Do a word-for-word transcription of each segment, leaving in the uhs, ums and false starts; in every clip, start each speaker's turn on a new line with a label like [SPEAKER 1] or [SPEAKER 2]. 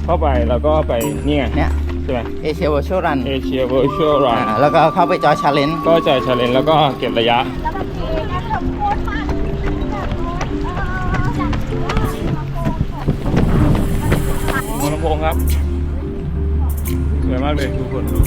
[SPEAKER 1] เข้าไปแล้วก็ไปนี่ไง
[SPEAKER 2] เนี่ย
[SPEAKER 1] ใช่ไหม
[SPEAKER 2] เอเชีย Virtual Run
[SPEAKER 1] เอเชีย Virtual Run
[SPEAKER 2] แล้วก็เข้าไปจอย Challenge
[SPEAKER 1] ก็จอย Challenge แล้วก็เก็บระยะ
[SPEAKER 3] แล้วบางทีนะเราโคตรมากแบบโน้ตเออจากว่าลำโพง
[SPEAKER 1] หัวลำโพงครับสวยมากเลยทุกคนดู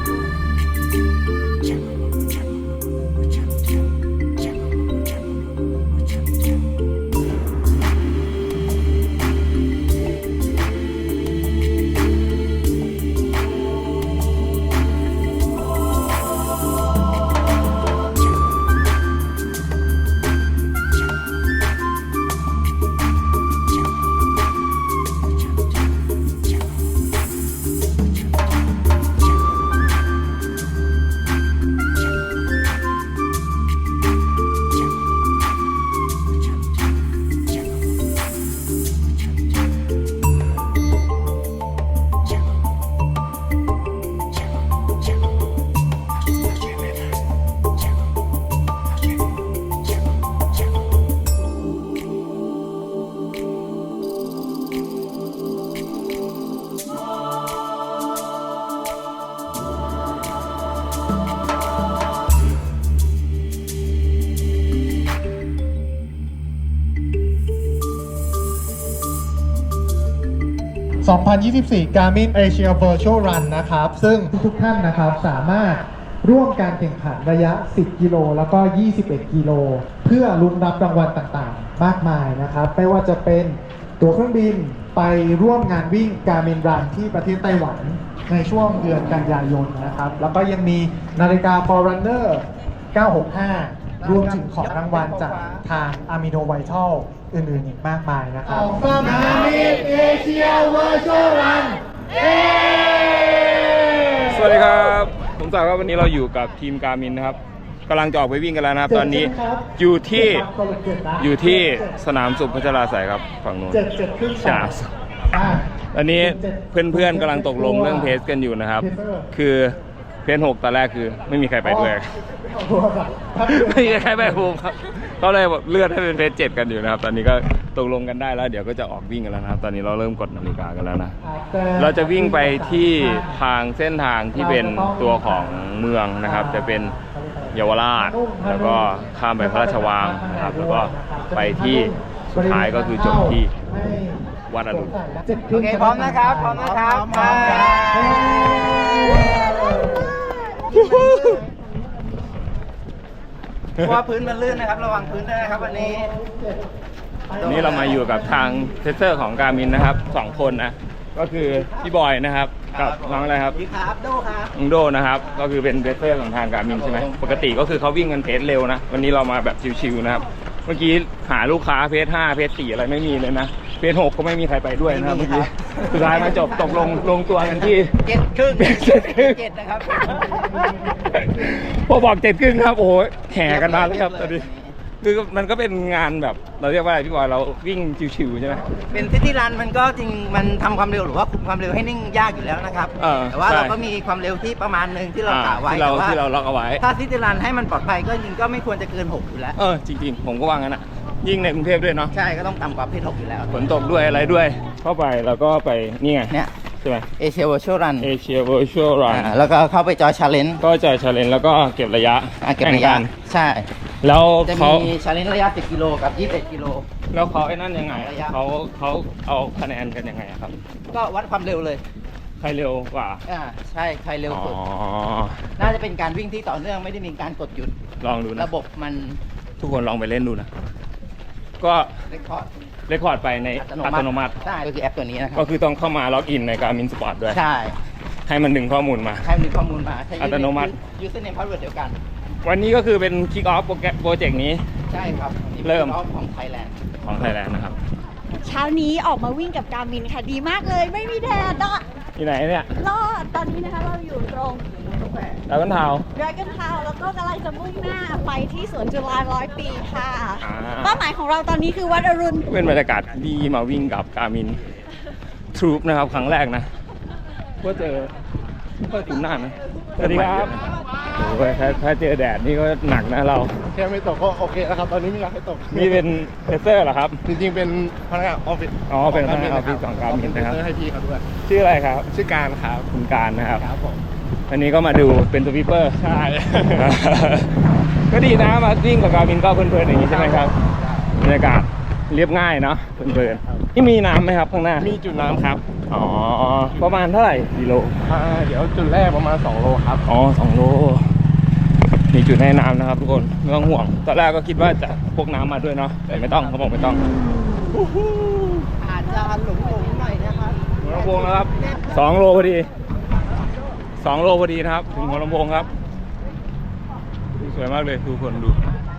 [SPEAKER 4] สองพันยี่สิบสี่ Garmin Asia Virtual Run นะครับซึ่งทุกท่านนะครับสามารถร่วมการแข่งขันระยะสิบกิโลแล้วก็ยี่สิบเอ็ดกิโลเพื่อลุ้นรับรางวัลต่างๆมากมายนะครับไม่ว่าจะเป็นตั๋วเครื่องบินไปร่วมงานวิ่ง Garmin Run ที่ประเทศไต้หวันในช่วงเดือนกันยายนนะครับแล้วก็ยังมีนาฬิกา Forerunner เก้าหกห้ารวมถึงของรางวัลจากทาง Amino Vital อื่นๆอีกมากมายนะครับ Garmin Asia Virtual Run
[SPEAKER 1] สวัสดีครับผมสาวครับวันนี้เราอยู่กับทีมการมินนะครับกำลังจะออกไปวิ่งกันแล้วนะครับตอนนี้อยู่ที่อยู่ที่สนามสุขพัชราไสยครับฝั่งนู้นใช่ตอนนี้เพื่อนๆกำลังตกลงเรื่องเพจกันอยู่นะครับคือเพจหกตอนแรกคือไม่มีใครไปด้วยไม่มีใครไปภูมิครับก็เลยเลื่อนให้เป็นเพจเจ็ดกันอยู่นะครับตอนนี้ก็ตกลงกันได้แล้วเดี๋ยวก็จะออกวิ่งกันแล้วนะครับตอนนี้เราเริ่มกดนาฬิกากันแล้วนะเราจะวิ่งไปที่ทางเส้นทางที่เป็นตัวของเมืองนะครับจะเป็นเยาวราชแล้วก็ข้ามไปพระราชวังนะครับแล้วก็ไปที่สุดท้ายก็คือจบที่วัดอรุณ
[SPEAKER 2] โอเคพร้อมนะครับพร้อมนะครับเพราะว่าพื้นมันลื่นนะครับระวังพื้นด้วยนะครับวันนี้
[SPEAKER 1] วันนี้เรามาอยู่กับทางเทสเตอร์ของการมินนะครับสองคนนะก็คือพี่บอยนะครับกับน้องอะไรครับ
[SPEAKER 2] พี่ครับโดครับ
[SPEAKER 1] น้องโดนะครับก็คือเป็นเทสเตอร์ของทางการมินใช่ไหมปกติก็คือเขาวิ่งกันเพจเร็วนะวันนี้เรามาแบบชิวๆนะครับเมื่อกี้หาลูกค้าเพจห้าเพจสี่อะไรไม่มีเลยนะเพจหกก็ไม่มีใครไปด้วยนะครับเมื่อกี้สุดท้ายมาจบตกลงลงตัวกันที่
[SPEAKER 2] เจ็ดครึ่ง
[SPEAKER 1] เจ็ดครึ่ง
[SPEAKER 2] เจ็ดนะครับ
[SPEAKER 1] พอบอกเจ็ดครึ่งครับโอ้โหแห่กันมาเลยครับตอนนี้คือมันก็เป็นงานแบบเราเรียกว่าอะไรพี่บอยเราวิ่งชิวๆใช่ไหม
[SPEAKER 2] เป็นซิตี้รันมันก็จริงมันทำความเร็วหรือว่าคุมความเร็วให้นิ่งยากอยู่แล้วนะครับแต่ว่าเราก็มีความเร็วที่ประมาณหนึ่งที่เรากะไว้
[SPEAKER 1] แต่ว่าที่เราล็อกเอาไว้
[SPEAKER 2] ถ้าซิตี้รันให้มันปลอดภัยก็จริงก็ไม่ควรจะเกินหกอยู่แล้ว
[SPEAKER 1] เออจริงๆผมก็ว่างั้นอ่ะยิ่งในกรุงเทพด้วยเนาะ
[SPEAKER 2] ใช่ก็ต้องต่ำกว่าเพจหกอยู่แล้ว
[SPEAKER 1] ฝนตกด้วยอะไรด้วยเข้าไปแล้วก็ไปนี่ไง
[SPEAKER 2] เนี่ย
[SPEAKER 1] ใช่ไหม
[SPEAKER 2] Asia Virtual Run
[SPEAKER 1] Asia Virtual Run
[SPEAKER 2] แล้วก็เข้าไปจอย Challenge
[SPEAKER 1] ก็จอย Challenge แล้วก็เก็บระยะ
[SPEAKER 2] เก็บระยะใช่
[SPEAKER 1] แล้ว
[SPEAKER 2] เขาจะมี Challenge ระยะสิบกิโลกับยี่สิบเอ็ดกิโล
[SPEAKER 1] แล้วเขาไอ้นั่นยังไงเขาเขาเอาคะแนนกันยังไงครับ
[SPEAKER 2] ก็วัดความเร็วเลย
[SPEAKER 1] ใครเร็วกว่า
[SPEAKER 2] อ่าใช่ใครเร็วสุดน่าจะเป็นการวิ่งที่ต่อเนื่องไม่ได้มีการกดหยุด
[SPEAKER 1] ลองดูนะ
[SPEAKER 2] ระบบมัน
[SPEAKER 1] ทุกคนลองไปเล่นดูนะก็
[SPEAKER 2] เรคคอร์ด
[SPEAKER 1] เรคคอร์ดไปในอัตโนมัติ
[SPEAKER 2] ใช่ก็คือแอปตัวนี้นะครับ
[SPEAKER 1] ก็คือต้องเข้ามาล็อกอินใน Garmin Sport ด้วย
[SPEAKER 2] ใช่
[SPEAKER 1] ให้มันดึงข้อมูลมา
[SPEAKER 2] ให้มันดึงข้อมูลมา
[SPEAKER 1] อัตโนมัติ
[SPEAKER 2] username password เดียวกัน
[SPEAKER 1] วันนี้ก็คือเป็น kick off โปรเจกต์นี้
[SPEAKER 2] ใช่ครับ
[SPEAKER 1] เริ่ม
[SPEAKER 2] ของไทยแลนด์
[SPEAKER 1] ของไทยแลนด์นะครับ
[SPEAKER 3] เช้านี้ออกมาวิ่งกับการมินค่ะดีมากเลยไม่มีแดดอ่ะ
[SPEAKER 1] ที่ไหนเนี่ย
[SPEAKER 3] รอดตอนนี้นะคะเราอยู่ตรง
[SPEAKER 1] ดราก้อนทาวน์
[SPEAKER 3] ดราก้อนทาวน์แล้วก็กำลังจะมุ่งหน้าไปที่สวนจุฬาร้อยปีค่ะเป้าหมายของเราตอนนี้คือวัดอรุณ
[SPEAKER 1] เป็นบรรยากาศดีมาวิ่งกับการมินทรูปนะครับครั้งแรกนะก็เจอก็ถึงหน้านะสวัสดีครับโอ้ยถ้าถ้าเจอแดดนี่ก็หนักนะเรา
[SPEAKER 5] แค่ไม่ตกก็โอเคแล้วครับ ตอนนี้ไม่อยากให้ตก
[SPEAKER 1] นี่เป็นเพเซอร์เหรอครับ
[SPEAKER 5] จริงๆเป็นพนักงานออฟฟิศ
[SPEAKER 1] อ๋อเป็นพนักงานออฟฟิศของการมินนะครับ
[SPEAKER 5] เป็นให้พี่เขาด้วย
[SPEAKER 1] ชื่ออะไรครับ
[SPEAKER 5] ชื่อการครับ
[SPEAKER 1] คุณการนะครับ
[SPEAKER 5] ครับผม
[SPEAKER 1] วันนี้ก็มาดูเป็นสวีปเปอร์
[SPEAKER 5] ใช่
[SPEAKER 1] ก็ดีนะมาวิ่งกับการมินก็เพลินๆอย่างนี้ใช่ไหมครับบรรยากาศเรียบง่ายเนาะเพลินๆนี่มีน้ำไหมครับข้างหน้า
[SPEAKER 5] มีจุดน้ำครับ
[SPEAKER 1] อ๋อประมาณเท่าไหร่กิโล
[SPEAKER 5] อ่าเดี๋ยวจุดแรกประมาณสองโลครับ
[SPEAKER 1] อ๋อสองโลมีจุดให้น้ำนะครับทุกคนไม่ต้องห่วงตอนแรกก็คิดว่าจะพกน้ำมาด้วยเนาะแต่ไม่ต้องเขาบอกไม่ต้อง
[SPEAKER 2] อาจจะหลงหลงหน่อยนะครับ
[SPEAKER 1] หัวลำโพงนะครับสองโลพอดีสองโลพอดีนะครับถึงหัวลำโพงครับสวยมากเลยทุกคนดู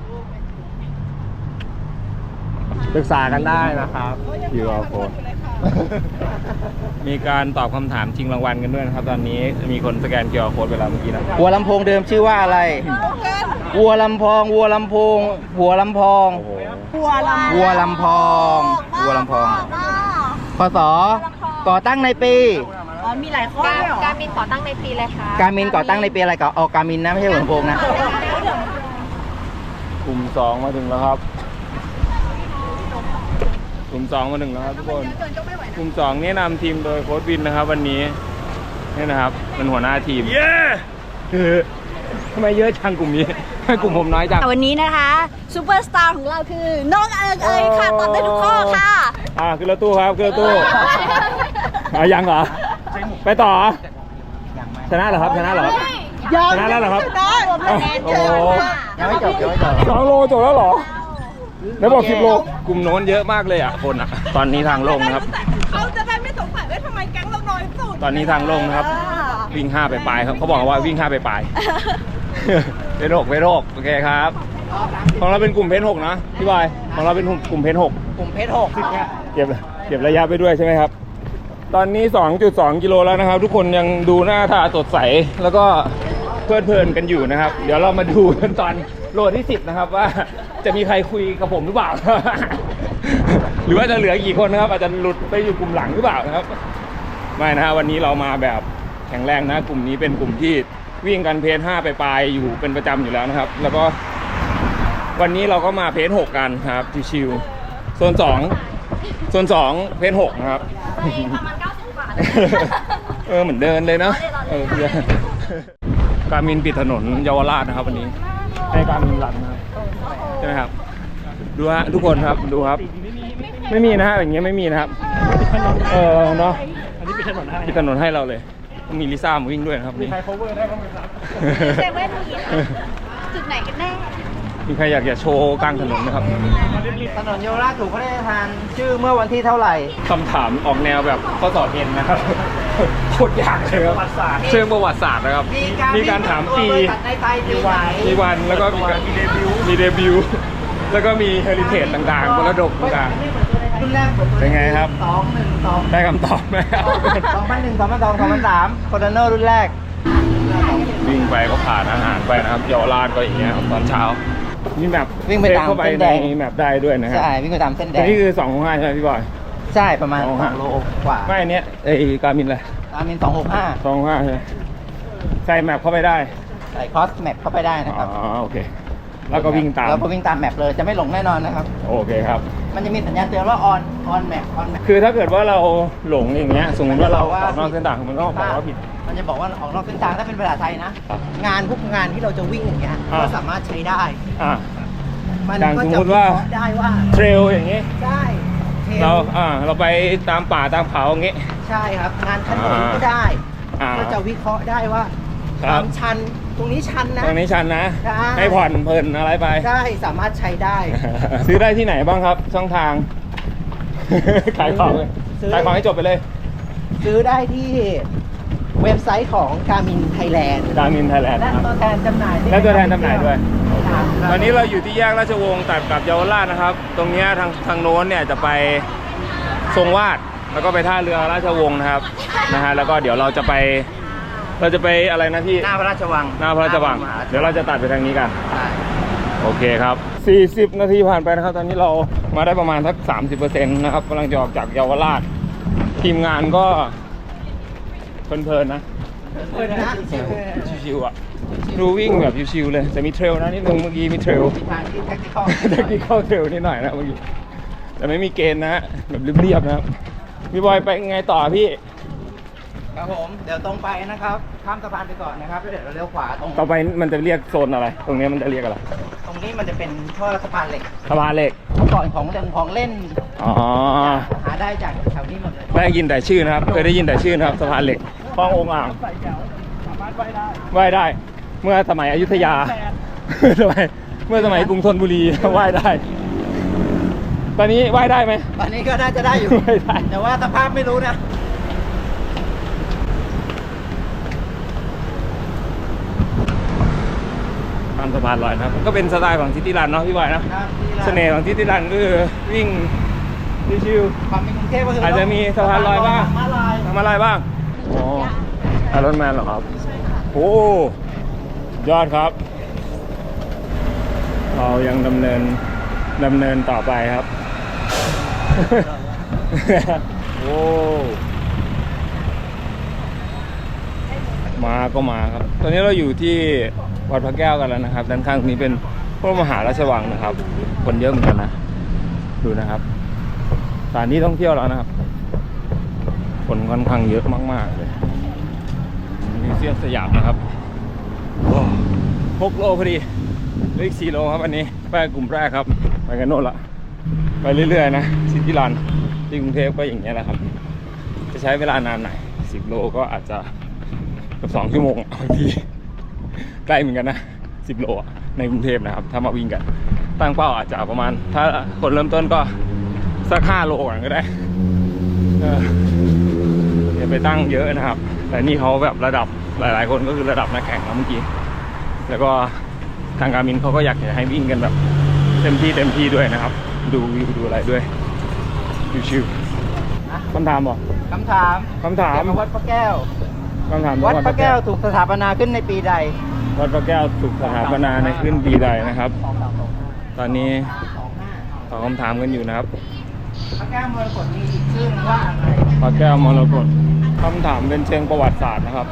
[SPEAKER 5] ปรึกษากันได้นะครับ
[SPEAKER 1] คิว อาร์ Code มีการตอบคำถามชิงรางวัลกันด้วยนะครับ ตอนนี้มีคนสแกน คิว อาร์ Code ไปแล้วเมื่อกี้นะ
[SPEAKER 2] หัวลำโพงเดิมชื่อว่าอะไรวัวลำพองวัวลำโพงหัวลำพอง
[SPEAKER 1] โอ้โห
[SPEAKER 3] หัวลำ
[SPEAKER 2] วัวลำพองวัวลำพอง พศก่อตั้งในปี
[SPEAKER 3] อ๋อมีหลายข้อด้วยเหรอ
[SPEAKER 6] การมินก่อตั้งในปีเลยค่ะ
[SPEAKER 2] การมินก่อตั้งในปีอะไรก่อนออกการมินนะไม่ใช่หัวลำโพงนะ
[SPEAKER 1] กลุ่มสองมาถึงแล้วครับกลุ่มสองมาถึงแล้วครับทุกคนกลุ่มสองนี่นำทีมโดยโค้ชวินนะครับ วันนี้นี่นะครับเป็นหัวหน้าทีมเย้ทำไมเยอะจังกลุ่มนี้ให้กลุ่มผมน้อยจัง
[SPEAKER 3] วันนี้นะคะซูเปอร์สตาร์ของเราคือน้องเอิงเอยค่ะตอบได้ทุกข้อค่ะ
[SPEAKER 1] อ่าขึ้นรถตู้ครับขึ้นรถตู้อ่ายังเหรอไปต่อเหรอชนะเหรอครับชนะเหรอครับชนะแล้วเหรอครับอ้าวโอ้โห
[SPEAKER 2] ยังไม่จบยังไม่จบ
[SPEAKER 1] สองโลจบแล้วเหรอแล้วบอกสิบโลกลุ่มโน้นเยอะมากเลยอ่ะคนอ่ะตอนนี้ทางลงนะครับ
[SPEAKER 3] เขาจะได้ไม่สงสัยว่าทำไมแก๊งเราน้อยสุด
[SPEAKER 1] ตอนนี้ทางลงนะครับ วิ่งห้าไปปลายครับเขาบอกว่าวิ่งห้าไปปลายเพนหกเพนหกโอเคครับ ของเราเป็นกลุ่มเพนหกนะพี่บอยของเราเป็นกลุ่มเพนหก
[SPEAKER 2] กลุ่มเพชรหก
[SPEAKER 1] เก็บเก็บระยะไปด้วยใช่ไหมครับ ตอนนี้ สองจุดสอง กิโลแล้วนะครับ ทุกคนยังดูหน้าตาสดใสแล้วก็เพลิดเพลินกันอยู่นะครับ เดี๋ยวเรามาดูกันตอนโลที่สิบนะครับว่าจะมีใครคุยกับผมหรือเปล่า หรือว่าจะเหลือกี่คนนะครับ อาจจะหลุดไปอยู่กลุ่มหลังหรือเปล่านะครับไม่นะฮะวันนี้เรามาแบบแข็งแรงนะกลุ่มนี้เป็นกลุ่มที่วิ่งกันเพจห้าไปปลายอยู่เป็นประจำอยู่แล้วนะครับ แล้วก็วันนี้เราก็มาเพจหกกันครับชิวๆโซนสองโซนสองเพจหกนะครับ
[SPEAKER 6] ประมาณเก้าสิบบาท
[SPEAKER 1] เออเหมือนเดินเลยเนาะเออการมินปิดถนนเยาวราชนะครับวันนี้ให้การมินรันนะครับใช่ไหมครับดูฮะทุกคนครับดูครับ ไม่มีนะฮะอย่างเงี้ยไม่มีนะครับเออเนาะอันนี้ปิดถนนให้ปิดถนนให้เราเลยมีลิซ่ามาวิ่งด้วยนะครับมีใคร cover ได้บ้างไหมครับ
[SPEAKER 3] เซเว่นมีจุดไหนกันแน่
[SPEAKER 1] มีใครอยากจะโชว์กลางถนนไหมครับ
[SPEAKER 2] ถนนเยาวราชถูกพระราชทานชื่อเมื่อวันที่เท่าไหร่
[SPEAKER 1] คำถามออกแนวแบบข้อสอบเอ็นนะครับโคตรยากเลยครับเชิงประวัติศาสตร์นะครับมีการถามปี
[SPEAKER 2] ในไทยปีไหน
[SPEAKER 1] มีวันแล้วก็มีการมีเดบิวต์มีเดบิวต์แล้วก็มีเฮริเทจต่างๆมรดกต่าง
[SPEAKER 2] รุ่นแรก
[SPEAKER 1] เป็นไงครับ
[SPEAKER 2] สองหนึ่งสอง
[SPEAKER 1] ๆได้คำตอบไหมครับ
[SPEAKER 2] สองพันหนึ่งสองพันสองสองพันสามโคโรนรุ่นแรก
[SPEAKER 1] วิ่งไปก็ผ่านอาหารไปนะครับเยาวราชก็อย่างเงี้ยครับตอนเช้ามีแมป
[SPEAKER 2] วิ่งไปตาม
[SPEAKER 1] เข้าไป
[SPEAKER 2] เส้น
[SPEAKER 1] ใน
[SPEAKER 2] แดง
[SPEAKER 1] แมปได้ด้วยนะครั
[SPEAKER 2] ใช่วิ่งไปตามเส้นแด
[SPEAKER 1] แต่
[SPEAKER 2] ง
[SPEAKER 1] นี่คือสองของห้าใช่ไหมพี่บอย
[SPEAKER 2] ใช่ประมาณ
[SPEAKER 1] สอง
[SPEAKER 2] ส
[SPEAKER 1] ห้า
[SPEAKER 2] องโลกว่า
[SPEAKER 1] ไม่อันเนี้ยไอ้การมินเลย
[SPEAKER 2] ตามเป็นสองหกห้า
[SPEAKER 1] สองของห้าใช่ไหมใส่แมปเข้าไปได้
[SPEAKER 2] ใส่คอสแมปเข้าไปได้นะครับ
[SPEAKER 1] อ๋อโอเค แล้วก็วิ่งตาม
[SPEAKER 2] แล้วก็วิ่งตามแมปเลยจะไม่หลงแน่นอนนะครับ
[SPEAKER 1] โอเคครับ
[SPEAKER 2] มันจะมีสัญญาณเตือนว่า on on map on map
[SPEAKER 1] คือถ้าเกิดว่าเราหลงอย่างเงี้ยสมมติว่าเราออกนอกเส้นทางมันก็บอกว่าผิด
[SPEAKER 2] มันจะบอกว่าออกนอกเส้นทางถ้าเป็นภาษาไทยนะ
[SPEAKER 1] ครับ
[SPEAKER 2] งานพวกงานที่เราจะวิ่งอย่างเงี้ย
[SPEAKER 1] อ่า
[SPEAKER 2] ก็สามารถใช้ได้
[SPEAKER 1] อ่า
[SPEAKER 2] มัน
[SPEAKER 1] อย่าง
[SPEAKER 2] ก็
[SPEAKER 1] สม
[SPEAKER 2] จะ
[SPEAKER 1] มุติว่า
[SPEAKER 2] วิเคราะห์ได้ว่า
[SPEAKER 1] เทรลอย่างงี้
[SPEAKER 2] ได้ทล
[SPEAKER 1] เราอ่าเราไปตามป่าตามเขาอย่างงี้
[SPEAKER 2] ใช่ครับ งานถนนก็ได้
[SPEAKER 1] อ่า
[SPEAKER 2] ก็จะวิเคราะห์ได้ว่า
[SPEAKER 1] ค
[SPEAKER 2] ค
[SPEAKER 1] รั
[SPEAKER 2] วา
[SPEAKER 1] บ
[SPEAKER 2] มชันตรงนี้ชันนะ
[SPEAKER 1] ตรงนี้ชันนะ
[SPEAKER 2] ได้
[SPEAKER 1] ให้ผ่อนเพลินอะไรไป
[SPEAKER 2] ได้สามารถใช้ได้
[SPEAKER 1] ซื้อได้ที่ไหนบ้างครับ ช่องทาง ขายของเลย
[SPEAKER 2] ซื้อ
[SPEAKER 1] ขายของให้จบไปเลย
[SPEAKER 2] ซื้อได้ที่เว็บไซต์ของ Garmin Thailand
[SPEAKER 1] การมินไทยแลนด์
[SPEAKER 2] และ
[SPEAKER 1] ครับ
[SPEAKER 2] ตัวแทนจำหน่ายด้วย
[SPEAKER 1] และตัวแทนจำหน่ายด้วย
[SPEAKER 2] ครับ
[SPEAKER 1] ตอนนี้เราอยู่ที่แยกราชวงศ์ตัดกับเยาวราชนะครับ ตรงเนี้ยทางทางโน้นเนี่ยจะไปทรงวาดแล้วก็ไปท่าเรือราชวงศ์นะครับนะฮะแล้วก็เดี๋ยวเราจะไป เราจะไปอะไรนะพี่
[SPEAKER 2] หน้าพระราชวัง
[SPEAKER 1] หน้าพระราชวัง
[SPEAKER 2] หน้าพระมหา
[SPEAKER 1] เดี๋ยวเราจะตัดไปทางนี้กัน
[SPEAKER 2] ใช่
[SPEAKER 1] โอเคครับสี่สิบนาทีผ่านไปนะครับ ตอนนี้เรามาได้ประมาณสัก สามสิบเปอร์เซ็นต์ นะครับกำลังจะออกจากเยาวราช ทีมงานก็เพลินๆนะ
[SPEAKER 2] เปิดนะ
[SPEAKER 1] ชิวๆอ่ะดูวิ่งแบบชิวๆเลยแต่มีเทรลนะนิดนึงเมื่อกี้มีเทรล
[SPEAKER 2] มีทางที่แท็กติคอล
[SPEAKER 1] เทคนิคเทรลนิดหน่อยนะเมื่อกี้แต่ไม่มีเกณฑ์นะฮะแบบเรียบๆนะครับพี่บอยไปไงต่อพี่
[SPEAKER 2] ครับผมเดี๋ยวตรงไปนะครับข้ามสะพานไปก่อนนะครับแล้วเดี๋ยวเราเลี้ยวขวาตรง
[SPEAKER 1] ต่อไปมันจะเรียกโซนอะไร ตรงนี้มันจะเรียกอะไร
[SPEAKER 2] ตรงนี้มันจะเป็นท่อสะพานเหล็ก
[SPEAKER 1] สะพานเหล็ก
[SPEAKER 2] เมื่อก่อนของเรื่องของเล่น
[SPEAKER 1] อ๋อ
[SPEAKER 2] หาได้จากแถวนี้หมดเลย
[SPEAKER 1] ได้ยินแต่ชื่อนะครับเคยได้ยินแต่ชื่อนะครับสะพานเหล็กคลององอ่างว่ายได้ เมื่อสมัยอยุธยาสมัยเมื่อสมัยกรุงธนบุรีว่ายได้ ตอนนี้ว่ายได้ไหม
[SPEAKER 2] ตอนนี้ก็น่าจะได้อยู่
[SPEAKER 1] ไม่ได้
[SPEAKER 2] แต่ว่าสภาพไม่รู้นะ
[SPEAKER 1] ตามสะพานลอยนะครับก็เป็นสไตล์ของซิตี้รันเนาะพี่บอยนะ
[SPEAKER 2] ครับที่ร้า
[SPEAKER 1] เสน่ห์ของซิตี้รันก็คือวิ่งชิว
[SPEAKER 2] ความเป็นกรุงเทพก็คือ
[SPEAKER 1] อาจจะมีสะพานลอยบ้าง
[SPEAKER 2] สะพนลอย
[SPEAKER 1] ๆทำอะไรบ้างอ๋อไอรอนแมนเหรอครับโอ้ยอดครับ เรายังดำเนินดำเนินต่อไปครับ โอ้มาก็มาครับ ตอนนี้เราอยู่ที่วัดพระแก้วกันแล้วนะครับด้านข้างนี้เป็นพระมหาราชวังนะครับ คนเยอะเหมือนกันนะดูนะครับสถานที่ท่องเที่ยวแล้วนะครับคนค่อนข้างเยอะมากๆเลยมิวเซียมสยามนะครับโอ้หกโลพอดีเหลืออีกสี่โลครับอันนี้ไปกลุ่มแรกครับไปกันโน่นละไปเรื่อยๆนะซิตี้รันที่กรุงเทพก็อย่างเงี้ยแหละครับจะใช้เวลานานหน่อยสิบโลก็อาจจะกับสองชั่วโมงบางทีใกล้เหมือนกันนะสิบโลในกรุงเทพนะครับถ้ามาวิ่งกันตั้งเป้าอาจจะประมาณถ้าคนเริ่มต้นก็สักห้าโลก่อนก็ได้เอออย่าไปตั้งเยอะนะครับแต่นี่เขาแบบระดับหลายๆคนก็คือระดับนักแข่งแล้วเมื่อกี้แล้วก็ทางการมินเขาก็อยากจะให้วิ่งกันแบบเต็มที่เต็มที่ด้วยนะครับดูวิวดูอะไรด้วยชิวๆคำถามเหรอ
[SPEAKER 2] คำถาม
[SPEAKER 1] คำถาม
[SPEAKER 2] เกี่ยวกับวัดพระแก้ว
[SPEAKER 1] คำถาม
[SPEAKER 2] วัดพระแก้วถูกสถาปนาขึ้นในปีใด
[SPEAKER 1] วัดพระแก้วถูกสถาปนาในขึ้นปีใดนะครับ ตอนนี้ตอบคำถามกันอยู่นะครับ
[SPEAKER 2] พระแก้วมรกตมีอีกชื่อว่าอะไร
[SPEAKER 1] พระแก้วมรกตคำถามเป็นเชิงประวัติศาสตร์นะครับ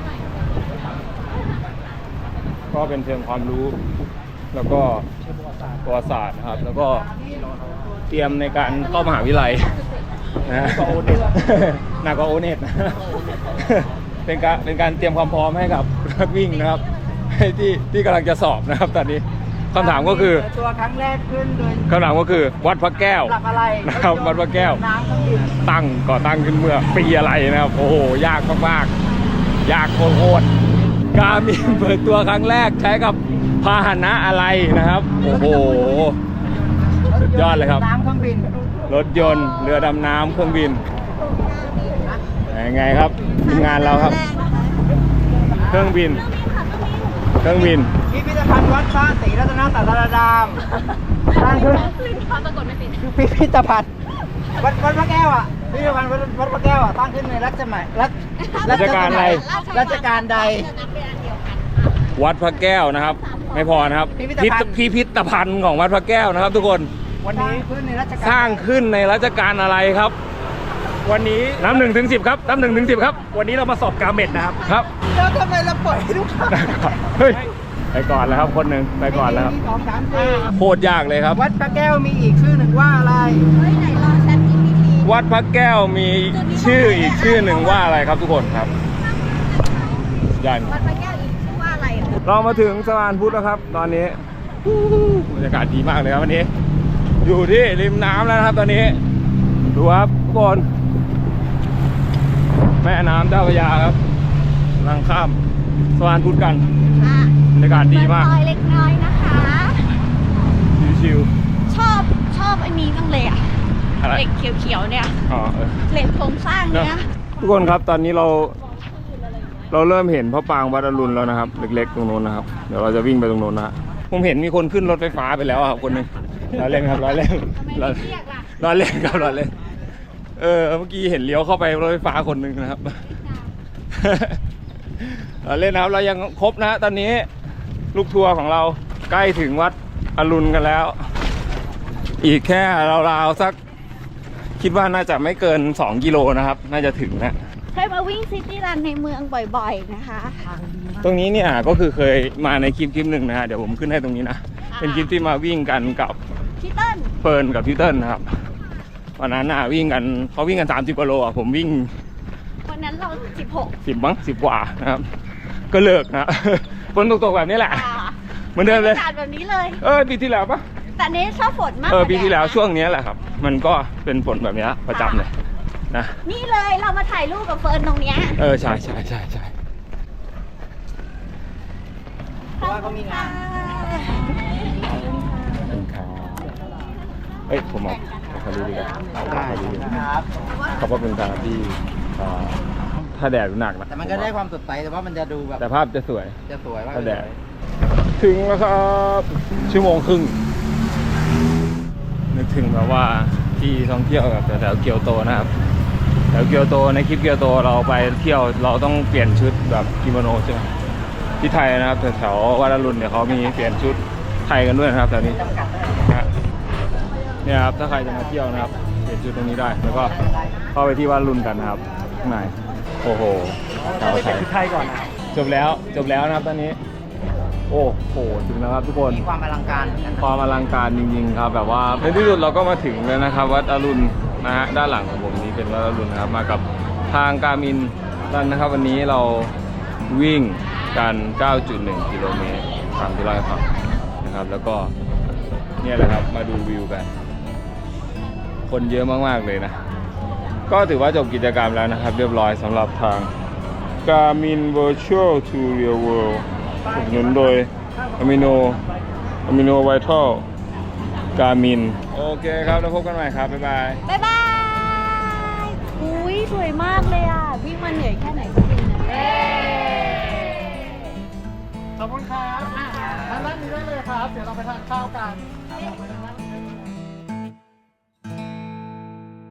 [SPEAKER 1] ก็เป็นเชิงความรู้ แล้วก็ประวัติศาสตร์นะครับ แล้วก็เตรียมในการเข้ามหาวิทยาลัยนะหนักกว่าโอเน็ตนะเป็นการเป็นการเตรียมความพร้อมให้กับนักวิ่งนะครับให้ที่ที่กำลังจะสอบนะครับ ตอนนี้คำถามก็คือ
[SPEAKER 2] ตัวครั้งแรกขึ้นโดย
[SPEAKER 1] คำถามก็คือวัดพระแก้ว
[SPEAKER 2] หลักอะไร
[SPEAKER 1] นะครับวัดพระแก้ว
[SPEAKER 2] น้ำเครื่องดื่ม
[SPEAKER 1] ตั้งก่อตั้งขึ้นเมื่อปีอะไรนะครับ โอ้โหยากมากๆยากโคตรๆการมีเปิดตัวครั้งแรกใช้กับพาหนะอะไรนะครับ โอ้โหสุดยอดเลยครับ
[SPEAKER 2] น้ำเครื่องบิน
[SPEAKER 1] รถยนต์เรือดำน้ำเครื่องบินยังไงครับทีมงานเราครับ เครื่องบิน เครื่องบิน
[SPEAKER 2] พิพิธภัณฑ์วัดพระศรีรัตนศาสดามสร้างขึ้น
[SPEAKER 6] ปรากฏไม่เป็น
[SPEAKER 2] พิพิธภัณฑ์วัดวัดพระแก้วอ่ะพิพิธภัณฑ์วัดวัดพระแก้วอ่ะตั้งขึ้นในรัชสมัยรัช
[SPEAKER 1] รัชกาลใด
[SPEAKER 2] รัชกาลใด
[SPEAKER 1] วัดพระแก้วนะครับ ไม่พอนะครับ
[SPEAKER 2] พิพิธภัณฑ์
[SPEAKER 1] พิพิธภัณฑ์ของวัดพระแก้วนะครับ ทุกคน
[SPEAKER 2] วันนี้ขึ้นในรัชกาล
[SPEAKER 1] สร้างขึ้นในรัชกาลอะไรครับ วันนี้นับหนึ่งถึงสิบครับนับหนึ่งถึงสิบครับ วันนี้เรามาสอบกาเม็ดนะครับครับ
[SPEAKER 2] แล้วทำไมเราปล่อยให้ลูกค้า
[SPEAKER 1] เฮ้ยไปก่อนแล้วครับคนหนึ่งไปก่อนแล้วครับ
[SPEAKER 2] สองสามสี่
[SPEAKER 1] โคตรยากเลยครับ
[SPEAKER 2] วัดพระแก้วมีอีกชื่อหนึ่งว่าอะไร
[SPEAKER 3] เฮ้ยไหนลองแชท จี พี ที
[SPEAKER 1] วัดพระแก้วมีชื่ออีกชื่อหนึ่งว่าอะไรครับทุกคนครับยัน
[SPEAKER 3] วัดพระแก้วอีกชื่อว่าอะไรอ่ะ
[SPEAKER 1] เรามาถึงสะพานพุทธแล้วครับ ตอนนี้บรรยากาศดีมากเลยครับวันนี้ อยู่ที่ริมน้ำแล้วนะครับ ตอนนี้ดูครับทุกคนแม่น้ำเจ้าพระยาครับกำลังข้ามสะพานพุทธกัน
[SPEAKER 3] อ่ะ
[SPEAKER 1] บรรยากาศดีมาก
[SPEAKER 3] เปิดซอยเล็กน้อยนะคะ
[SPEAKER 1] ชิว
[SPEAKER 3] ชอบชอบไอ้นี้จังเลยอ่ะ
[SPEAKER 1] ๆอะไร
[SPEAKER 3] เหล็กเขียวๆเนี่ย
[SPEAKER 1] อ๋อเออ
[SPEAKER 3] เหล็กโครงสร้างเนี่ย
[SPEAKER 1] ทุกคนครับตอนนี้เราเราเริ่มเห็นพระปรางวัดอรุณแล้วนะครับ เล็กๆตรงโน้นนะครับเดี๋ยวเราจะวิ่งไปตรงโน้นนะฮะผมเห็นมีคนขึ้นรถไฟฟ้าไปแล้วอะครับคนหนึงเราเล่นครับเราเล่นเราเราเล่นครับเราเล่นเออเมื่อกี้เห็นเลี้ยวเข้าไปรถไฟฟ้าคนหนึ่งนะครับ เราเล่นนะครับเรายังครบนะตอนนี้ลูกทัวร์ของเราใกล้ถึงวัดอรุณกันแล้ว อีกแค่ราวๆสักคิดว่าน่าจะไม่เกินสองกิโลนะครับน่าจะถึงนะ
[SPEAKER 3] เคยมาวิ่งซิตี้รันในเมืองบ่อยๆนะคะ
[SPEAKER 1] ตรงนี้เนี่ยก็คือเคยมาในคลิปคลิปหนึ่งนะฮะเดี๋ยวผมขึ้นให้ตรงนี้นะเป็นคลิปที่มาวิ่งกันกับ
[SPEAKER 3] พี่เติ้ล
[SPEAKER 1] เฟิร์นกับพี่เติ้ลนะครับวันนั้นน่ะวิ่งกันเขาวิ่งกันสามสิบกิโลอ่ะผมวิ่ง
[SPEAKER 3] วันนั้นเราสิบหก
[SPEAKER 1] สิบมั้งสิบกว่านะครับก็เลิกนะ ฝนตกๆแบบนี้แหละ
[SPEAKER 3] อ่า
[SPEAKER 1] เหมือนเดิมเลย
[SPEAKER 3] บรรยากาศแบบนี้เลย
[SPEAKER 1] เออปีที่แล้วปะ
[SPEAKER 3] แต่เนี้ชอบฝนมาก
[SPEAKER 1] เออก
[SPEAKER 3] า
[SPEAKER 1] ปีที่แล้ว
[SPEAKER 3] ดนะ
[SPEAKER 1] ช่วงนี้แหละครับ มันก็เป็นฝนแบบนี้ประจำเลยนะ
[SPEAKER 3] นี่เลยเรามาถ่ายรูปกับเฟิร์นตรงเนี้ย
[SPEAKER 1] เออใช่ใช่ใช่ใช่
[SPEAKER 2] เพราะว่าเขามีงาน
[SPEAKER 1] ขอบคุณครับเอ้ยผมเอาขอดูดีกว่าเอาขอดูดีกว่า
[SPEAKER 2] ครับ
[SPEAKER 1] ขอบพระคุณครับที่อ่าถ้าแดดหนักนะ
[SPEAKER 2] แต่มันก็ได้ความสดใสแต่ว่ามันจะดูแบบ
[SPEAKER 1] แต่ภาพจะสวย
[SPEAKER 2] จะสวยมาก
[SPEAKER 1] ถ้าแดดถึงแล้วครับชั่วโมงครึ่งนึกถึงแบบว่าที่ท่องเที่ยวแบบแถวๆเกียวโตนะครับแถวเกียวโตในคลิปเกียวโตเราไปเที่ยวเราต้องเปลี่ยนชุดแบบกิโมโนใช่ไหมที่ไทยนะครับแถวๆวัดอรุณเนี่ยเขามีเปลี่ยนชุดไทยกันด้วยนะครับแถวนี้นะฮะเนี่ยครับถ้าใครจะมาเที่ยวนะครับเปลี่ยนชุดตรงนี้ได้แล้วก็เข้าไปที่วัดอรุณกันนะครับข้างในโอ้โหชาวไทย
[SPEAKER 5] ไทยก่อนนะ
[SPEAKER 1] จบแล้วจบแล้วนะครับตอนนี้ โอ้โหถึงแล้วครับทุกคน
[SPEAKER 2] มีความอลังการเหมือนกัน
[SPEAKER 1] ความอลังการจริงๆครับแบบว่าในที่สุดเราก็มาถึงแล้วนะครับวัดอรุณนะฮะด้านหลังของผมนี้เป็นวัดอรุณนะครับมากับทางการมินรันนะครับวันนี้เราวิ่งกัน เก้าจุดหนึ่ง กิโลเมตรตามที่เราให้ฟังนะครับแล้วก็เนี่ยแหละครับมาดูวิวกัน คนเยอะมากๆเลยนะก็ถือว่าจบกิจกรรมแล้วนะครับเรียบร้อยสำหรับทาง Garmin Virtual to Real World สนับสนุนโดย Amino Amino Vital Garmin โอเคครับแล้วพบกันใหม่ครับ บ๊ายบาย
[SPEAKER 3] บ๊ายบายอุ้ยสวยมากเลยอ่ะ วิ่งมาเหนื่อยแค่ไหนก็วิ่งเย้
[SPEAKER 4] ขอบคุณครับอ่ะทางด้านนี้ได้เลยครับ เดี๋ยวเราไปทานข้าวกัน